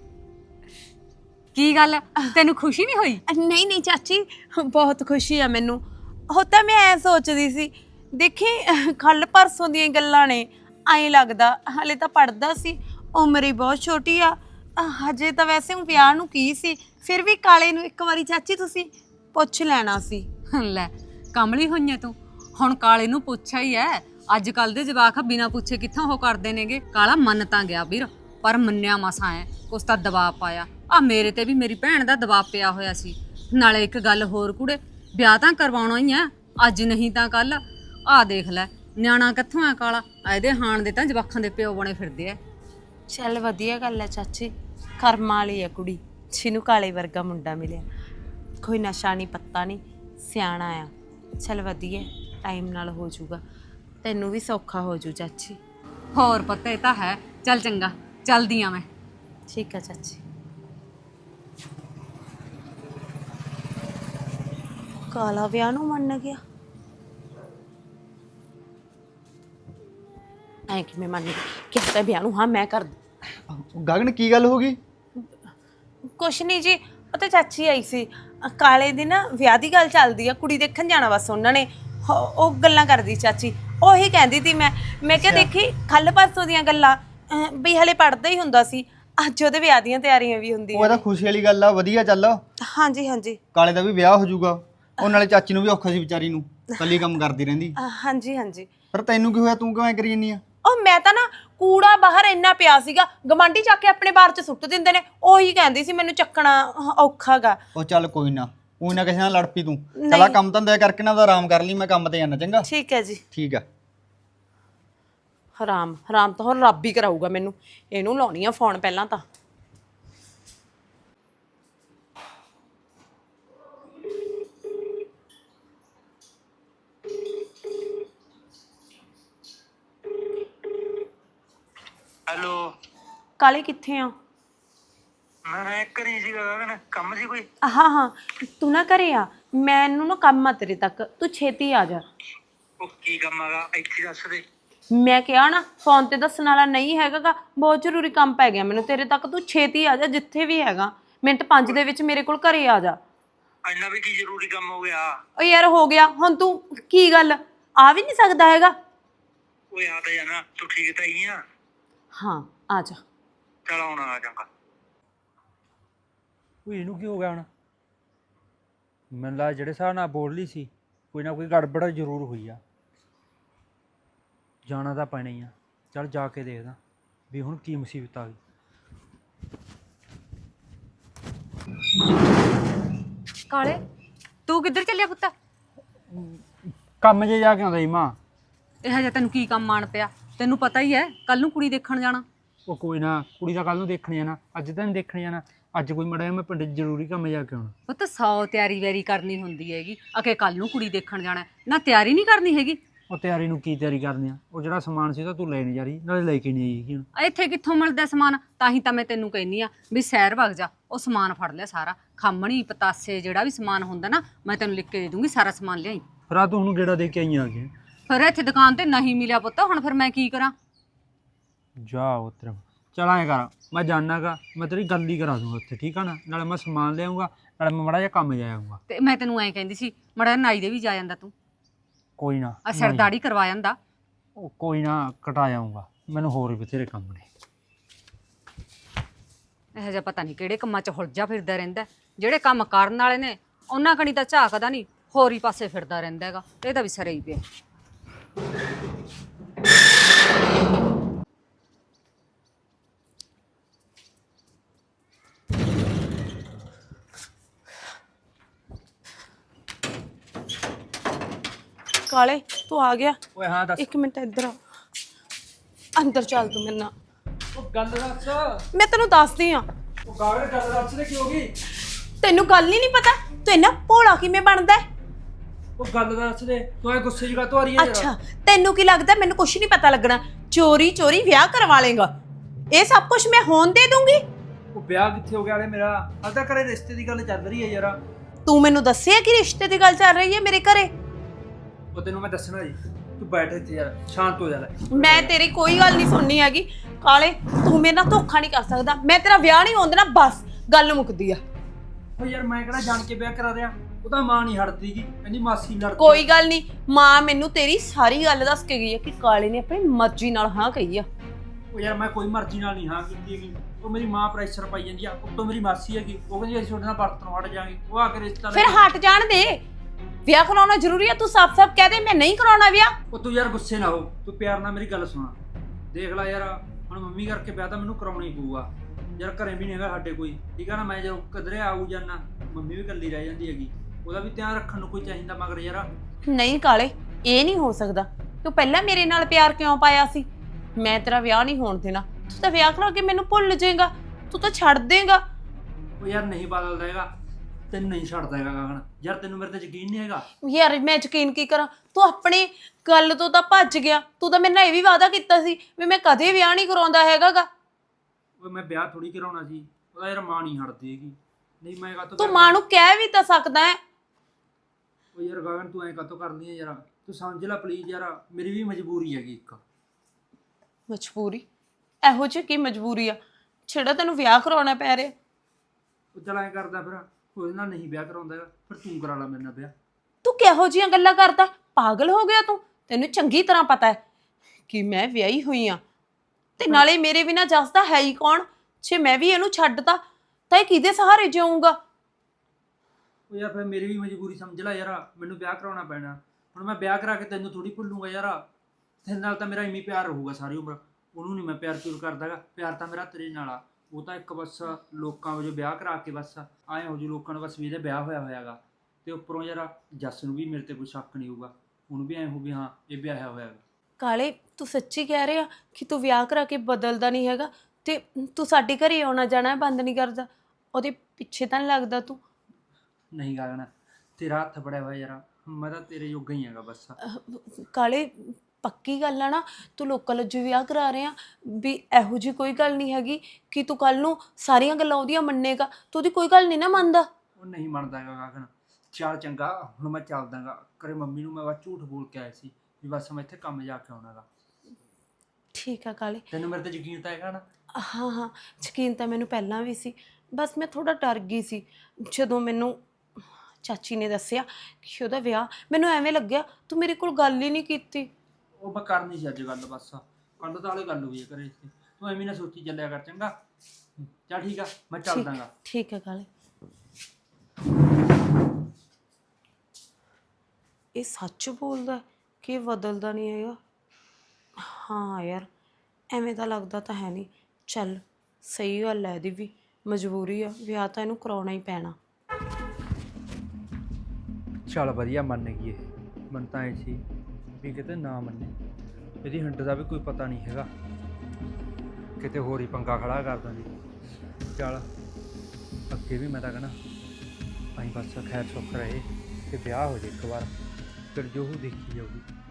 [SPEAKER 4] ਕੀ ਗੱਲ, ਤੈਨੂੰ ਖੁਸ਼ੀ ਨਹੀਂ ਹੋਈ?
[SPEAKER 1] ਨਹੀਂ ਨਹੀਂ ਚਾਚੀ, ਬਹੁਤ ਖੁਸ਼ੀ ਆ ਮੈਨੂੰ। ਉਹ ਤਾਂ ਮੈਂ ਐ ਸੋਚਦੀ ਸੀ, ਦੇਖੀ ਕੱਲ ਪਰਸੋਂ ਦੀਆਂ ਗੱਲਾਂ ਨੇ। ਐਂ ਲੱਗਦਾ ਹਲੇ ਤਾਂ ਪੜਦਾ ਸੀ, ਉਮਰ ਹੀ ਬਹੁਤ ਛੋਟੀ ਆ ਹਜੇ ਤਾਂ। ਵੈਸੇ ਉਹ ਵਿਆਹ ਨੂੰ ਕੀ ਸੀ, ਫਿਰ ਵੀ ਕਾਲੇ ਨੂੰ ਇੱਕ ਵਾਰੀ ਚਾਚੀ ਤੁਸੀਂ ਪੁੱਛ ਲੈਣਾ ਸੀ।
[SPEAKER 4] ਲੈ ਕਮਲੀ ਹੋਈ ਐ ਤੂੰ, ਹੁਣ ਕਾਲੇ ਨੂੰ ਪੁੱਛਿਆ ਹੀ ਐ। ਅੱਜ ਕੱਲ ਦੇ ਜਵਾਕ ਬਿਨਾਂ ਪੁੱਛੇ ਕਿੱਥੋਂ ਉਹ ਕਰਦੇ ਨੇਗੇ। ਕਾਲਾ ਮੰਨ ਤਾਂ ਗਿਆ ਵੀਰ, ਪਰ ਮੰਨਿਆ ਮਸਾਂ ਐ, ਉਸ ਤਾਂ ਦਬਾਅ ਪਾਇਆ। ਆ ਮੇਰੇ ਤੇ ਵੀ ਮੇਰੀ ਭੈਣ ਦਾ ਦਬਾਅ ਪਿਆ ਹੋਇਆ ਸੀ। ਨਾਲੇ ਇੱਕ ਗੱਲ ਹੋਰ ਕੁੜੇ, ਵਿਆਹ ਤਾਂ ਕਰਵਾਉਣਾ ਹੀ ਐ, ਅੱਜ ਨਹੀਂ ਤਾਂ ਕੱਲ। ਆਹ ਦੇਖ ਲੈ, ਨਿਆਣਾ ਕਿੱਥੋਂ ਆ ਕਾਲਾ, ਇਹਦੇ ਹਾਣ ਦੇ ਤਾਂ ਜਵਾਕਾਂ ਦੇ ਪਿਓ ਬਣੇ ਫਿਰਦੇ ਐ।
[SPEAKER 1] ਚੱਲ ਵਧੀਆ ਗੱਲ ਹੈ ਚਾਚੀ, ਕਰਮਾਂ ਵਾਲੀ ਹੈ ਕੁੜੀ ਜਿਹਨੂੰ ਕਾਲੇ ਵਰਗਾ ਮੁੰਡਾ ਮਿਲਿਆ। ਕੋਈ ਨਸ਼ਾ ਨਹੀਂ ਪੱਤਾ ਨਹੀਂ, ਸਿਆਣਾ ਆ। ਚੱਲ ਵਧੀਆ, ਟਾਈਮ ਨਾਲ ਹੋ ਜਾਊਗਾ, ਤੈਨੂੰ ਵੀ ਸੌਖਾ ਹੋ ਜੂ ਚਾਚੀ।
[SPEAKER 4] ਹੋਰ ਪਤਾ ਇਹ ਤਾਂ ਹੈ। ਚੱਲ ਚੰਗਾ, ਚੱਲਦੀ ਆ ਮੈਂ।
[SPEAKER 1] ਠੀਕ ਆ ਚਾਚੀ। ਕਾਲਾ ਵਿਆਹ ਨੂੰ ਮੰਨ ਗਿਆ? ਐ ਕਿਵੇਂ ਮੰਨ ਗਿਆ? ਕਿਹਾ ਤਾਂ ਵਿਆਹ ਨੂੰ ਹਾਂ ਮੈਂ ਕਰ।
[SPEAKER 3] ਗਗਨ ਕੀ ਗੱਲ ਹੋ ਗਈ?
[SPEAKER 1] ਕੁਛ ਨਹੀਂ ਜੀ, ਉਹ ਤਾਂ ਚਾਚੀ ਆਈ ਸੀ। ਕਾਲੇ ਦੀ ਨਾ ਵਿਆਹ ਦੀ ਗੱਲ ਚੱਲਦੀ ਆ, ਕੁੜੀ ਦੇਖਣ ਜਾਣਾ ਬਸ ਉਹਨਾਂ ਨੇ। ਉਹ ਗੱਲਾਂ ਕਰਦੀ ਚਾਚੀ, ਉਹੀ ਕਹਿੰਦੀ ਤੀ। ਮੈਂ ਕਿਹਾ ਦੇਖੀ ਕੱਲ ਪਰਸੋਂ ਦੀਆਂ ਗੱਲਾਂ, ਵੀ ਹਲੇ ਪੜਦਾ ਹੀ ਹੁੰਦਾ ਸੀ, ਅੱਜ ਉਹਦੇ ਵਿਆਹ ਦੀਆਂ ਤਿਆਰੀਆਂ ਵੀ
[SPEAKER 3] ਉਹ
[SPEAKER 1] ਹੁੰਦੀਆਂ
[SPEAKER 3] ਤਾਂ
[SPEAKER 1] ਨੇ।
[SPEAKER 3] ਖੁਸ਼ੀ ਵਾਲੀ ਗੱਲ ਆ, ਵਧੀਆ ਚੱਲ।
[SPEAKER 1] ਹਾਂਜੀ ਹਾਂਜੀ।
[SPEAKER 3] ਕਾਲੇ ਦਾ ਵੀ ਵਿਆਹ ਹੋ ਜਾਊਗਾ। ਉਹ ਨਾਲੇ ਚਾਚੀ ਨੂੰ ਵੀ ਔਖਾ ਸੀ ਵਿਚਾਰੀ ਨੂੰ, ਕੱਲੀ ਕੰਮ ਕਰਦੀ ਰਹਿੰਦੀ।
[SPEAKER 1] ਹਾਂਜੀ ਹਾਂਜੀ।
[SPEAKER 3] ਪਰ ਤੈਨੂੰ ਕੀ ਹੋਇਆ, ਤੂੰ ਕਿਉਂ ਐ ਕਰੀ ਜੰਨੀ ਆ?
[SPEAKER 1] ਉਹ ਮੈਂ ਤਾਂ ਨਾ ਕੂੜਾ ਬਾਹਰ ਇੰਨਾ ਪਿਆ ਸੀਗਾ, ਗਵਾਂਢੀ ਚੱਕ ਕੇ ਆਪਣੇ ਬਾਰ ਚ ਸੁੱਟ ਦਿੰਦੇ ਨੇ, ਉਹੀ ਕਹਿੰਦੀ ਸੀ ਮੈਨੂੰ ਚੱਕਣਾ ਔਖਾ ਗਾ।
[SPEAKER 3] ਉਹ ਚੱਲ ਕੋਈ ਨਾ, ਕੋਈ ਨਾ ਕਿਸੇ ਨਾਲ ਲੜ ਪਈ ਤੂੰ। ਚਲਾ ਕੰਮ ਧੰਦਾ ਕਰਕੇ ਨਾ ਉਹਦਾ ਆਰਾਮ ਕਰ ਲਈ, ਮੈਂ ਕੰਮ ਤੇ ਜਾਣਾ। ਚੰਗਾ
[SPEAKER 1] ਠੀਕ ਹੈ ਜੀ।
[SPEAKER 3] ਠੀਕ ਆ।
[SPEAKER 1] ਹਰਾਮ ਹਰਾਮ ਤਾਂ ਹੁਣ ਰੱਬ ਹੀ ਕਰਾਊਗਾ ਮੈਨੂੰ। ਇਹਨੂੰ ਲਾਉਣੀ ਆ ਫੋਨ ਪਹਿਲਾਂ ਤਾਂ।
[SPEAKER 5] ਹੈਲੋ,
[SPEAKER 1] ਕਾਲੇ ਕਿੱਥੇ ਆ?
[SPEAKER 5] ਮੈਂ ਘਰੇ ਸੀਗਾ ਗਗਨ, ਕੰਮ ਸੀ ਕੋਈ?
[SPEAKER 1] ਹਾਂ ਹਾਂ, ਤੂੰ ਨਾ ਘਰੇ ਆ, ਮੈਨੂੰ ਨਾ ਕੰਮ ਆ ਤੇਰੇ ਤੱਕ, ਤੂੰ ਛੇਤੀ ਆ ਜਾ।
[SPEAKER 5] ਉਹ ਕੀ ਕੰਮ ਆਗਾ, ਇੱਥੇ ਦੱਸ ਦੇ।
[SPEAKER 1] ਮੈਂ ਕਿਹਾ ਨਾ ਫੋਨ ਤੇ ਦੱਸਣ ਵਾਲਾ ਨਹੀਂ ਹੈਗਾ ਗਾ, ਬਹੁਤ ਜ਼ਰੂਰੀ ਕੰਮ ਪੈ ਗਿਆ ਮੈਨੂੰ ਤੇਰੇ ਤੱਕ, ਤੂੰ ਛੇਤੀ ਆ ਜਾ ਜਿੱਥੇ ਵੀ ਹੈਗਾ। ਮਿੰਟ 5 ਦੇ ਵਿੱਚ ਮੇਰੇ ਕੋਲ ਘਰੇ ਆ ਜਾ।
[SPEAKER 5] ਇੰਨਾ ਵੀ ਕੀ ਜ਼ਰੂਰੀ ਕੰਮ ਹੋ ਗਿਆ?
[SPEAKER 1] ਓ ਯਾਰ ਹੋ ਗਿਆ, ਹੁਣ ਤੂੰ ਕੀ ਗੱਲ ਆ ਵੀ ਨਹੀਂ ਸਕਦਾ ਹੈਗਾ?
[SPEAKER 5] ਓਏ ਆ ਤਾਂ ਜਾਣਾ, ਤੂੰ ਠੀਕ ਤਾਂ ਹੀ ਆ?
[SPEAKER 1] ਹਾਂ ਆ ਜਾ।
[SPEAKER 5] ਚਲ ਆਉਣਾ ਆ ਜਾਂਗਾ।
[SPEAKER 2] ਉਹ ਇਹਨੂੰ ਕੀ ਹੋ ਗਿਆ ਹੁਣ? ਮੈਨੂੰ ਲੱਗਦਾ ਜਿਹੜੇ ਹਿਸਾਬ ਨਾਲ ਬੋਲ ਲਈ ਸੀ, ਕੋਈ ਨਾ ਕੋਈ ਗੜਬੜ ਜ਼ਰੂਰ ਹੋਈ ਆ। ਜਾਣਾ ਤਾਂ ਪੈਣਾ ਹੀ ਆ। ਚੱਲ ਜਾ ਕੇ ਦੇਖਦਾ ਵੀ ਹੁਣ ਕੀ ਮੁਸੀਬਤ ਆ ਗਈ।
[SPEAKER 4] ਕਾਲੇ, ਤੂੰ ਕਿੱਧਰ ਚੱਲਿਆ ਪੁੱਤ?
[SPEAKER 2] ਕੰਮ ਜੇ ਜਾ ਕੇ ਆਉਂਦਾ ਜੀ ਮਾਂ।
[SPEAKER 4] ਇਹ ਜਿਹਾ ਤੈਨੂੰ ਕੀ ਕੰਮ ਆਣ ਪਿਆ? ਤੈਨੂੰ ਪਤਾ ਹੀ ਹੈ ਕੱਲ ਨੂੰ ਕੁੜੀ ਦੇਖਣ ਜਾਣਾ।
[SPEAKER 2] ਉਹ ਕੋਈ ਨਾ, ਕੁੜੀ ਦਾ ਕੱਲ ਨੂੰ ਦੇਖਣ ਜਾਣਾ, ਅੱਜ ਤਾਂ ਨਹੀਂ ਦੇਖਣ ਜਾਣਾ। ਅੱਜ ਕੋਈ ਮੜਾ ਮੈਂ ਪਿੰਡ 'ਚ ਜ਼ਰੂਰੀ ਕੰਮ ਜਾ ਕੇ ਆਉਣਾ।
[SPEAKER 4] ਪੁੱਤ 100 ਤਿਆਰੀ ਵੈਰੀ ਕਰਨੀ ਹੁੰਦੀ ਹੈਗੀ, ਅਕੇ ਕੱਲ ਨੂੰ ਕੁੜੀ ਦੇਖਣ ਜਾਣਾ ਨਾ, ਤਿਆਰੀ ਨਹੀਂ ਕਰਨੀ ਹੈਗੀ।
[SPEAKER 2] ਉਹ ਤਿਆਰੀ ਨੂੰ ਕੀ ਤਿਆਰੀ ਕਰਨੀ ਆ? ਉਹ ਜਿਹੜਾ ਸਮਾਨ ਸੀ ਤਾਂ ਤੂੰ ਲੈ ਨਹੀਂ ਜਾ ਰਹੀ, ਨਾਲੇ ਲੈ ਕੇ ਨਹੀਂ ਆਈ ਹੈਗੀ ਹੁਣ।
[SPEAKER 4] ਇੱਥੇ ਕਿੱਥੋਂ ਮਿਲਦਾ ਸਮਾਨ? ਤਾਂ ਹੀ ਤਾਂ ਮੈਂ ਤੈਨੂੰ ਕਹਿੰਨੀ ਆ ਵੀ ਸ਼ਹਿਰ ਵਗ ਜਾ, ਉਹ ਸਮਾਨ ਫੜ ਲਿਆ ਸਾਰਾ, ਖਾਮਣੀ ਪਤਾਸੇ ਜਿਹੜਾ ਵੀ ਸਮਾਨ ਹੁੰਦਾ ਨਾ, ਮੈਂ ਤੈਨੂੰ ਲਿਖ ਕੇ ਦੇ ਦੂੰਗੀ, ਸਾਰਾ ਸਮਾਨ ਲਿਆਈ।
[SPEAKER 2] ਫਿਰ ਆ ਤੂੰ ਹੁਣ ਗੇੜਾ ਦੇ ਕੇ ਆਈ ਆ ਕੇ।
[SPEAKER 4] ਫਿਰ ਇੱਥੇ ਦੁਕਾਨ ਤੇ ਨਹੀਂ ਮਿਲਿਆ ਪੁੱਤ, ਹੁਣ ਫਿਰ ਮੈਂ ਕੀ ਕਰਾਂ?
[SPEAKER 2] ਜਾ ਉਤਰ। ਚਲ ਐਂ ਕਰ, ਮੈਂ ਜਾਣਾਗਾ, ਮੈਂ ਤੇਰੀ ਗੱਲ ਹੀ ਕਰਾ ਦੂੰਗਾ ਉੱਥੇ, ਠੀਕ ਆ ਨਾ? ਨਾਲੇ ਮੈਂ ਸਮਾਨ ਲਿਆਉਂਗਾ, ਨਾਲੇ ਮੈਂ ਮੜਾ ਜਿਹਾ ਕੰਮ ਜਾਊਂਗਾ।
[SPEAKER 4] ਤੇ ਮੈਂ ਤੈਨੂੰ ਐਂ ਕਹਿੰਦੀ ਸੀ ਮੜਾ ਨਾਈ ਦੇ ਵੀ ਜਾ ਜਾਂਦਾ ਤੂੰ,
[SPEAKER 2] ਕੋਈ ਨਾ,
[SPEAKER 4] ਆ ਸਿਰ ਦਾੜੀ ਕਰਵਾ ਜਾਂਦਾ।
[SPEAKER 2] ਉਹ ਕੋਈ ਨਾ, ਕਟਾ ਜਾਊਂਗਾ, ਮੈਨੂੰ ਹੋਰ ਵੀ ਬਥੇਰੇ ਕੰਮ ਨੇ।
[SPEAKER 4] ਇਹੋ ਜਿਹਾ ਪਤਾ ਨਹੀਂ ਕਿਹੜੇ ਕੰਮਾਂ 'ਚ ਹੁਲਜਾ ਫਿਰਦਾ ਰਹਿੰਦਾ। ਜਿਹੜੇ ਕੰਮ ਕਰਨ ਵਾਲੇ ਨੇ ਉਹਨਾਂ ਕਣੀ ਤਾਂ ਝਾਕਦਾ ਨਹੀਂ, ਹੋਰ ਹੀ ਪਾਸੇ ਫਿਰਦਾ ਰਹਿੰਦਾ ਹੈਗਾ। ਇਹਦਾ ਵੀ ਸਿਰੇ ਹੀ ਪਿਆ।
[SPEAKER 1] ਕਾਲੇ ਤੂੰ ਆ ਗਿਆ?
[SPEAKER 2] ਓਏ ਹਾਂ ਦੱਸ।
[SPEAKER 1] 1 ਮਿੰਟ ਇੱਧਰ ਆ, ਅੰਦਰ ਚੱਲ ਤੂੰ ਮੇਰੇ ਨਾਲ।
[SPEAKER 2] ਉਹ ਗੱਲ ਦੱਸ।
[SPEAKER 1] ਮੈਂ ਤੈਨੂੰ ਦੱਸਦੀ ਆ।
[SPEAKER 2] ਉਹ ਗਾਗਰ ਗੱਲ ਦੱਸ ਤੇ ਕੀ ਹੋ ਗਈ?
[SPEAKER 1] ਤੈਨੂੰ ਗੱਲ ਹੀ ਨਹੀਂ ਪਤਾ, ਤੂੰ ਇੰਨਾ ਭੋਲਾ ਕਿਵੇਂ ਬਣਦਾ ਹੈ?
[SPEAKER 2] ਉਹ ਗੱਲ ਦੱਸ ਦੇ, ਤੂੰ ਐ ਗੁੱਸੇ ਜਿਹਾ ਤੋਂ ਆ ਰਹੀ ਹੈ
[SPEAKER 1] ਅੱਛਾ ਤੈਨੂੰ ਕੀ ਲੱਗਦਾ ਮੈਨੂੰ ਕੁਝ ਨਹੀਂ ਪਤਾ ਲੱਗਣਾ? ਚੋਰੀ ਚੋਰੀ ਵਿਆਹ ਕਰਵਾ ਲੇਗਾ, ਇਹ ਸਭ ਕੁਝ ਮੈਂ ਹੋਣ ਦੇ ਦੂੰਗੀ?
[SPEAKER 2] ਉਹ ਵਿਆਹ ਕਿੱਥੇ ਹੋ ਗਿਆ ਵਾਲੇ ਮੇਰਾ? ਅੱਧਾ ਘਰੇ ਰਿਸ਼ਤੇ ਦੀ ਗੱਲ ਚੱਲ ਰਹੀ ਹੈ ਯਾਰ।
[SPEAKER 1] ਤੂੰ ਮੈਨੂੰ ਦੱਸਿਆ ਕਿ ਰਿਸ਼ਤੇ ਦੀ ਗੱਲ ਚੱਲ ਰਹੀ ਹੈ ਮੇਰੇ ਘਰੇ?
[SPEAKER 2] ਉਹ ਤੈਨੂੰ ਮੈਂ ਦੱਸਣਾ ਜੀ, ਤੂੰ ਬੈਠ ਇੱਥੇ ਯਾਰ, ਸ਼ਾਂਤ ਹੋ ਜਾ ਲੈ।
[SPEAKER 1] ਮੈਂ ਤੇਰੀ ਕੋਈ ਗੱਲ ਨਹੀਂ ਸੁਣਨੀ ਹੈਗੀ ਕਾਲੇ, ਤੂੰ ਮੇਰੇ ਨਾਲ ਧੋਖਾ ਨਹੀਂ ਕਰ ਸਕਦਾ। ਮੈਂ ਤੇਰਾ ਵਿਆਹ ਨਹੀਂ ਹੋਣ ਦੇਣਾ, ਬਸ ਗੱਲ ਮੁੱਕਦੀ ਆ।
[SPEAKER 2] ਉਹ ਯਾਰ ਮੈਂ ਕਿਹੜਾ ਜਾਣ ਕੇ ਵਿਆਹ ਕਰਾ ਰਿਹਾ? ਉਹ ਤਾਂ ਮਾਂ ਨਹੀਂ ਹਟਦੀ ਗੀ, ਕਹਿੰਦੀ ਮਾਸੀ ਲੜਦੀ।
[SPEAKER 1] ਕੋਈ ਗੱਲ ਨਹੀਂ, ਮਾਂ ਮੈਨੂੰ ਤੇਰੀ ਸਾਰੀ ਗੱਲ ਦੱਸ ਕੇ ਗਈ ਹੈ ਕਿ ਕਾਲੇ ਨੇ ਆਪਣੀ ਮਰਜ਼ੀ ਨਾਲ ਹਾਂ ਕਹੀ ਆ।
[SPEAKER 2] ਉਹ ਯਾਰ ਮੈਂ ਕੋਈ ਮਰਜ਼ੀ ਨਾਲ ਨਹੀਂ ਹਾਂ ਕੀਤੀ ਹੈਗੀ। ਉਹ ਮੇਰੀ ਮਾਂ ਪ੍ਰੈਸ਼ਰ ਪਾਈ ਜਾਂਦੀ ਆ, ਉੱਤੋਂ ਮੇਰੀ ਮਾਸੀ ਹੈਗੀ, ਉਹ ਕਹਿੰਦੀ ਅਸੀਂ ਤੁਹਾਡੇ ਨਾਲ ਵਰਤੋਂ ਹਟ ਜਾਾਂਗੇ। ਉਹ ਆ ਕੇ ਰਿਸ਼ਤਾ
[SPEAKER 1] ਫਿਰ ਹਟ ਜਾਣ ਦੇ, ਵਿਆਹ ਕਰਾਉਣਾ ਜ਼ਰੂਰੀ ਹੈ? ਤੂੰ ਸਾਫ਼-ਸਾਫ਼ ਕਹਿ ਦੇ ਮੈਂ ਨਹੀਂ ਕਰਾਉਣਾ ਵਿਆਹ।
[SPEAKER 2] ਉਹ ਤੂੰ ਯਾਰ ਗੁੱਸੇ ਨਾ ਹੋ, ਤੂੰ ਪਿਆਰ ਨਾਲ ਮੇਰੀ ਗੱਲ ਸੁਣਾ। ਦੇਖ ਲੈ ਯਾਰ, ਹੁਣ ਮੰਮੀ ਕਰਕੇ ਵਿਆਹ ਤਾਂ ਮੈਨੂੰ ਕਰਾਉਣਾ ਹੀ ਪਊਗਾ ਯਾਰ। ਘਰੇ ਵੀ ਨਹੀਂ ਹੈਗਾ ਸਾਡੇ ਕੋਈ, ਠੀਕ ਆ ਨਾ? ਮੈਂ ਜਦੋਂ ਕਿਧਰੇ ਆਊ ਜਾਣਾ, ਮੰਮੀ ਵੀ ਇਕੱਲੀ ਰਹਿ ਜਾਂਦੀ ਹੈਗੀ, ਉਹਦਾ ਵੀ ਧਿਆਨ ਰੱਖਣ ਨੂੰ ਕੋਈ ਚਾਹੀਦਾ ਮਗਰ ਯਾਰ।
[SPEAKER 1] ਨਹੀਂ ਕਾਲੇ, ਇਹ ਨਹੀਂ ਹੋ ਸਕਦਾ। ਤੂੰ ਪਹਿਲਾਂ ਮੇਰੇ ਨਾਲ ਪਿਆਰ ਕਿਉਂ ਪਾਇਆ ਸੀ? ਮੈਂ ਤੇਰਾ ਵਿਆਹ ਨਹੀਂ ਹੋਣ ਦੇਣਾ। ਤੂੰ ਤਾਂ ਵਿਆਹ ਕਰਾ ਕੇ ਮੈਨੂੰ ਭੁੱਲ ਜਾਏਗਾ, ਤੂੰ ਤਾਂ ਛੱਡ ਦੇਗਾ।
[SPEAKER 2] ਉਹ ਯਾਰ ਨਹੀਂ ਬਦਲਦਾ ਹੈਗਾ, ਤੈਨੂੰ ਨਹੀਂ ਛੱਡਦਾ ਹੈਗਾ ਗਗਨ। ਯਾਰ ਤੈਨੂੰ ਮੇਰੇ ਤੇ ਯਕੀਨ ਨਹੀਂ ਹੈਗਾ?
[SPEAKER 1] ਯਾਰ ਮੈਂ ਯਕੀਨ ਕੀ ਕਰਾਂ, ਤੂੰ ਆਪਣੀ ਗੱਲ ਤੋਂ ਤਾਂ ਭੱਜ ਗਿਆ। ਤੂੰ ਤਾਂ ਮੇਰੇ ਨਾਲ ਇਹ ਵੀ ਵਾਅਦਾ ਕੀਤਾ ਸੀ ਵੀ ਮੈਂ ਕਦੇ ਵਿਆਹ ਨਹੀਂ ਕਰਾਉਂਦਾ ਹੈਗਾਗਾ।
[SPEAKER 2] ਓਏ ਮੈਂ ਵਿਆਹ ਥੋੜੀ ਕਰਾਉਣਾ ਸੀ, ਉਹਦਾ ਯਾਰ ਮਾਂ ਨਹੀਂ ਹਟਦੀ ਹੈਗੀ। ਨਹੀਂ ਮੈਂ ਕਾਹਤੋਂ
[SPEAKER 1] ਤੂੰ ਮਾਂ ਨੂੰ ਕਹਿ ਵੀ ਤਾਂ ਸਕਦਾ ਹੈ।
[SPEAKER 2] ਓ ਯਾਰ ਗਗਨ ਤੂੰ ਐਂ ਕਾਹਤੋਂ ਕਰਦੀ ਹੈ ਯਾਰ? ਤੂੰ ਸਮਝ ਲੈ ਪਲੀਜ਼ ਯਾਰ, ਮੇਰੀ ਵੀ ਮਜਬੂਰੀ ਹੈਗੀ ਇੱਕ।
[SPEAKER 1] ਮਜਬੂਰੀ? ਇਹੋ ਜਿਹੀ ਕੀ ਮਜਬੂਰੀ ਆ ਜਿਹੜਾ ਤੈਨੂੰ ਵਿਆਹ ਕਰਾਉਣਾ ਪੈ ਰਿਹਾ?
[SPEAKER 2] ਉਹ ਚੱਲ ਐਂ ਕਰਦਾ ਫਿਰ, ਉਹਦੇ ਨਾਲ ਨਹੀਂ ਵਿਆਹ ਕਰਾਉਂਦਾ ਹੈਗਾ, ਫਿਰ ਤੂੰ ਕਰਾ ਲੈ ਮੇਰੇ ਨਾਲ ਵਿਆਹ।
[SPEAKER 1] ਤੂੰ ਕਿਹੋ ਜਿਹੀਆਂ ਗੱਲਾਂ ਕਰਦਾ? ਪਾਗਲ ਹੋ ਗਿਆ ਤੂੰ? ਤੈਨੂੰ ਚੰਗੀ ਤਰ੍ਹਾਂ ਪਤਾ ਹੈ ਕਿ ਮੈਂ ਵਿਆਹੀ ਹੋਈ ਆ, ਤੇ ਨਾਲੇ ਮੇਰੇ ਬਿਨਾਂ ਜੱਸਦਾ ਹੈ ਹੀ ਕੌਣ? ਜੇ ਮੈਂ ਵੀ ਇਹਨੂੰ ਛੱਡਤਾ ਤਾਂ ਇਹ ਕਿਹਦੇ ਸਹਾਰੇ ਜਿਊਂਗਾ?
[SPEAKER 2] ਉਹ ਯਾਰ ਫਿਰ ਮੇਰੀ ਵੀ ਮਜਬੂਰੀ ਸਮਝ ਲੈ ਯਾਰ, ਮੈਨੂੰ ਵਿਆਹ ਕਰਾਉਣਾ ਪੈਣਾ। ਹੁਣ ਮੈਂ ਵਿਆਹ ਕਰਾ ਕੇ ਤੈਨੂੰ ਥੋੜੀ ਭੁੱਲੂਗਾ ਯਾਰ, ਤੇਰੇ ਨਾਲ ਤਾਂ ਮੇਰਾ ਇਵੇਂ ਪਿਆਰ ਰਹੂਗਾ ਸਾਰੀ ਉਮਰ। ਉਹਨੂੰ ਨਹੀਂ ਮੈਂ ਪਿਆਰ ਪਿਉਰ ਕਰਦਾਗਾ, ਪਿਆਰ ਤਾਂ ਮੇਰਾ ਤੇਰੇ ਨਾਲ ਆ। ਉਹ ਤਾਂ ਇੱਕ ਬਸ ਲੋਕਾਂ ਵਜੋਂ ਵਿਆਹ ਕਰਾ ਕੇ ਬਸ ਆਏ ਹੋ ਜੂ ਲੋਕਾਂ ਨੂੰ ਬਸ ਵੀ ਇਹਦਾ ਵਿਆਹ ਹੋਇਆ ਹੋਇਆਗਾ। ਤੇ ਉੱਪਰੋਂ ਯਾਰ ਜੱਸ ਨੂੰ ਵੀ ਮੇਰੇ ਤੇ ਕੋਈ ਸ਼ੱਕ ਨਹੀਂ ਹੋਊਗਾ, ਉਹਨੂੰ ਵੀ ਐਂ ਹੋ ਵੀ ਹਾਂ ਇਹ ਵਿਆਹਿਆ ਹੋਇਆਗਾ।
[SPEAKER 1] ਕਾਲੇ ਤੂੰ ਸੱਚੀ ਕਹਿ ਰਿਹਾ ਕਿ ਤੂੰ ਵਿਆਹ ਕਰਾ ਕੇ ਬਦਲਦਾ ਨਹੀਂ ਹੈਗਾ, ਤੇ ਤੂੰ ਸਾਡੇ ਘਰੇ ਆਉਣਾ ਜਾਣਾ ਬੰਦ ਨਹੀਂ ਕਰਦਾ? ਉਹਦੇ ਪਿੱਛੇ ਤਾਂ ਨਹੀਂ ਲੱਗਦਾ ਤੂੰ?
[SPEAKER 2] ਨਹੀਂ ਗਗਨ, ਤੇਰਾ ਹੱਥ ਫੜਿਆ ਹੋਇਆ ਯਾਰ, ਮੈਂ ਤਾਂ ਤੇਰੇ ਜੋਗਾ ਹੀ ਹੈਗਾ ਬਸ।
[SPEAKER 1] ਕਾਲੇ ਪੱਕੀ ਗੱਲ ਆ ਨਾ, ਤੂੰ ਲੋਕਾਂ ਲੱਜੂ ਵਿਆਹ ਕਰਾ ਰਿਹਾ ਵੀ? ਇਹੋ ਜਿਹੀ ਕੋਈ ਗੱਲ ਨਹੀਂ ਹੈਗੀ ਕਿ ਤੂੰ ਕੱਲ ਨੂੰ ਸਾਰੀਆਂ ਗੱਲਾਂ ਉਹਦੀਆਂ ਮੰਨੇਗਾ? ਤੂੰ ਉਹਦੀ ਕੋਈ ਗੱਲ ਨਹੀਂ ਨਾ ਮੰਨਦਾ?
[SPEAKER 2] ਉਹ ਨਹੀਂ ਮੰਨਦਾ ਹੈਗਾ ਗਗਨ। ਚੱਲ ਚੰਗਾ, ਹੁਣ ਮੈਂ ਚੱਲਦਾਗਾ ਘਰੇ। ਮੰਮੀ ਨੂੰ ਮੈਂ ਬਸ ਝੂਠ ਬੋਲ ਕੇ ਆਇਆ ਸੀ ਵੀ ਬਸ ਮੈਂ ਇੱਥੇ ਕੰਮ ਜਾ ਕੇ ਆਉਣਾਗਾ।
[SPEAKER 1] ਠੀਕ ਆ ਕਾਲੇ।
[SPEAKER 2] ਤੈਨੂੰ ਮੇਰੇ ਤੇ ਯਕੀਨ ਤਾਂ ਹੈਗਾ ਨਾ?
[SPEAKER 1] ਹਾਂ ਹਾਂ, ਯਕੀਨ ਤਾਂ ਮੈਨੂੰ ਪਹਿਲਾਂ ਵੀ ਸੀ, ਬਸ ਮੈਂ ਥੋੜਾ ਡਰ ਗਈ ਸੀ ਜਦੋਂ ਮੈਨੂੰ ਚਾਚੀ ਨੇ ਦੱਸਿਆ ਕਿ ਉਹਦਾ ਵਿਆਹ। ਮੈਨੂੰ ਐਵੇਂ ਲੱਗਿਆ ਤੂੰ ਮੇਰੇ ਕੋਲ ਗੱਲ ਹੀ ਨਹੀਂ ਕੀਤੀ।
[SPEAKER 2] ਉਹ ਮੈਂ ਕਰਨੀ ਸੀ ਅੱਜ ਗੱਲ, ਬਸ ਕੱਲ ਤਾਂ ਵਾਲੇ ਗੱਲ ਹੋਈ ਹੈ ਘਰੇ ਇੱਥੇ। ਤੂੰ ਐਵੇਂ ਨਾ ਸੋਚੀ ਚੱਲਿਆ ਕਰ, ਚੰਗਾ? ਚੱਲ ਠੀਕ ਆ, ਮੈਂ ਚੱਲਦਾਗਾ।
[SPEAKER 1] ਠੀਕ ਹੈ ਕਾਲੇ। ਇਹ ਸੱਚ ਬੋਲਦਾ ਕਿ ਬਦਲਦਾ ਨਹੀਂ ਹੈਗਾ? ਹਾਂ ਯਾਰ ਐਵੇਂ ਤਾਂ ਲੱਗਦਾ ਤਾਂ ਹੈ ਨਹੀਂ। ਚੱਲ ਸਹੀ ਗੱਲ ਹੈ, ਇਹਦੀ ਵੀ ਮਜਬੂਰੀ ਆ, ਵਿਆਹ ਤਾਂ ਇਹਨੂੰ ਕਰਾਉਣਾ ਹੀ ਪੈਣਾ।
[SPEAKER 2] ਚੱਲ ਵਧੀਆ ਮੰਨ ਗਈ ਇਹ। ਮੈਨੂੰ ਤਾਂ ਐ ਸੀ ਵੀ ਕਿਤੇ ਨਾ ਮੰਨੇ, ਇਹਦੀ ਹਿੰਡ ਦਾ ਵੀ ਕੋਈ ਪਤਾ ਨਹੀਂ ਹੈਗਾ, ਕਿਤੇ ਹੋਰ ਹੀ ਪੰਗਾ ਖੜਾ ਕਰ ਦਿੰਦੀ। ਚੱਲ ਅੱਗੇ ਵੀ ਮੈਂ ਤਾਂ ਕਹਿਣਾ ਅਸੀਂ ਬਸ ਖੈਰ ਸੁੱਖ ਰਹੇ ਤੇ ਵਿਆਹ ਹੋ ਜਾਏ ਇੱਕ ਵਾਰ, ਫਿਰ ਜੋ ਦੇਖੀ ਜਾਊਗੀ।